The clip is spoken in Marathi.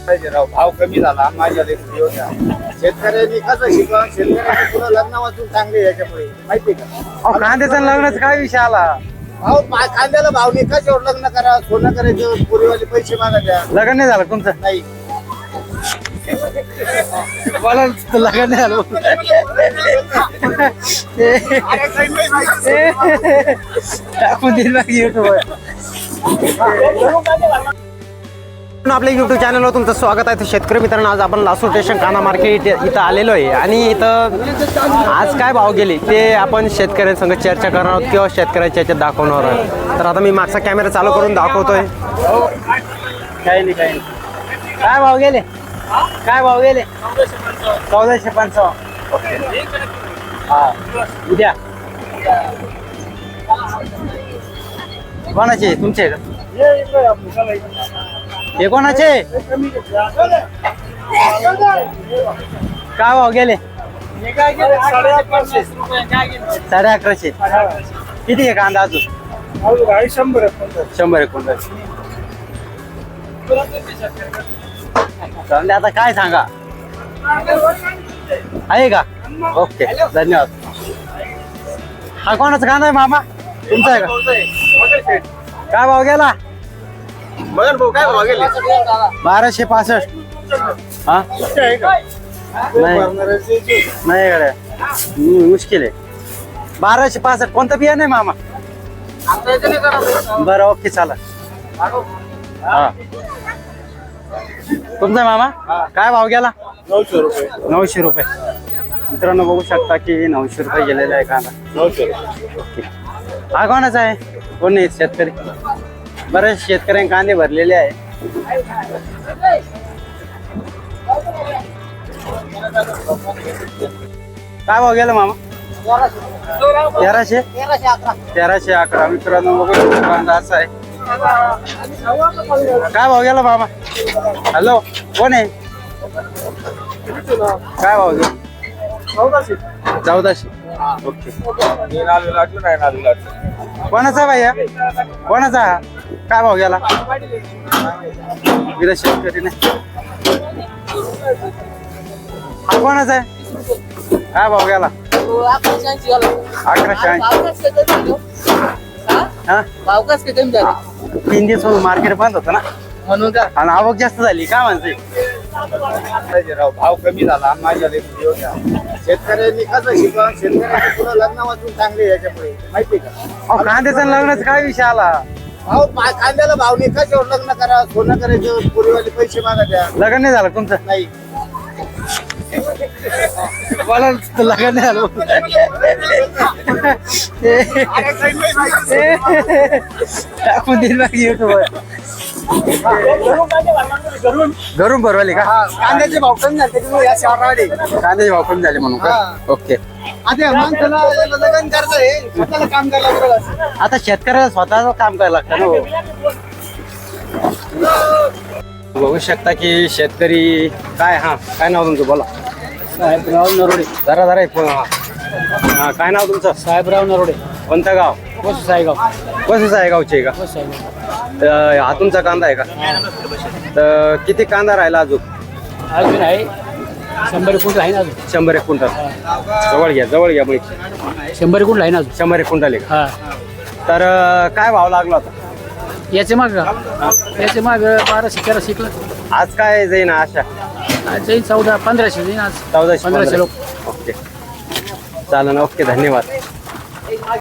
राव भाव कमी झाला माझ्या शेतकऱ्यांनी कसं शिकवा शेतकऱ्यांनी पुढे लग्न वाचून चांगले याच्यामुळे माहिती का कांद्याचा लग्नाचा काय विषय आला भाऊ कांद्याला भाव नाही कशावर लग्न करा सोनं करायचं पुरीवाले पैसे मागायच्या लग्न नाही झालं तुमचं नाही मला लग्न नाही झालं टाकून देईल बाकी युट्यूबवर आपल्या युट्यूब चॅनलवर तुमचं स्वागत आहे. शेतकरी मित्रांनो, आज आपण लासूर स्टेशन कांदा मार्केट इथं आलेलो आहे आणि इथं आज काय भाव गेले ते आपण शेतकऱ्यांसंग चर्चा करणार आहोत किंवा शेतकऱ्याच्या याच्यात दाखवणार आहोत. तर आता मी मागचा कॅमेरा चालू करून दाखवतोय. काही नाही काय भाव गेले काय भाव गेले 1455. हा उद्या कोणाचे तुमचे हे कोणाचे काय भाव गेले 1150. किती आहे कांदा अजून 100 क्विंटल. आता काय सांगा आहे का? ओके धन्यवाद. हा कोणाचा कांदा आहे मामा तुमचा आहे का? काय भाव गेला मगर भाऊ काय भाव गेले 1265. हा नाही गड्या मुश्किल आहे. 1265 कोणतं बिया नाही मामा? बरं ओके चला. हा तुमचा मामा काय भाव गेला 900 रुपये. मित्रांनो बघू शकता की 900 रुपये गेलेला आहे कांदा 900 रुपये. हा कोणाचा आहे? कोण नाही शेतकरी. बरेच शेतकऱ्यांनी कांदे भरलेले आहे. काय भाव गेला मामा 1311. मित्रांनो बघू शकता कांदा असा आहे. काय भाव गेला मामा? हॅलो कोण आहे? काय भाव गेला 1400. ओके कोणाचा भैया कोणाचा? काय भाव गेला? विरा शेतकरी नाही. हा कोणाचा आहे? काय भाव गेला 1180. हा भाव कस काय कमी झाले 3 दिवस मार्केट बंद होतं ना म्हणून का आणि आवक जास्त झाली. काय म्हणते राव भाव कमी झाला माझ्या शेतकऱ्यांनी कसं शिकवा शेतकऱ्यांनी पुढे लग्न वाचून चांगले याच्यामुळे माहिती का कांद्याचा लग्नाचा काय विषय आला? भाऊ कांद्याला भाव नाही कशावर लग्न करा सोनं करायचं पुरीवाले पैसे मागायच्या लग्न नाही झालं तुमचं? नाही मला लग्न नाही झालं टाकून देईल बाकी युट्यूबवर. घरून भरवले का? कांद्याचे भाव कमी झाले त्याच्यामुळे या शहराकडे कांद्याचे भाव कमी झाले म्हणून का? ओके. आता माणसाला लग्न करायचंय स्वतःला काम करायला लागतं. आता शेतकऱ्याला स्वतःच काम करायला लागतं ना. बघू शकता की शेतकरी काय हा काय नाव तुमचं बोला? साहेबराव नरोडे. जरा हा काय नाव तुमचं? साहेबराव नरोडे. कोणतं गाव? कोस साहेगाव. कसं आहे गावचे का? कोस साहेगाव. हा तुमचा कांदा आहे का? तर किती कांदा राहिला अजून? अजून आहे 100 क्विंटल आहे ना अजून. 100 क्विंटल. जवळ घ्या मग 100 क्विंटल आहे ना अजून. 100 क्विंटल आहे का? हा तर काय भाव लागला होता? याचे माग 1200 शिकलं. आज काय जाईन आशा? आज जाईल 1400-1500 जाईल आज. 1400 1500 लोक. ओके चालेल. ओके धन्यवाद.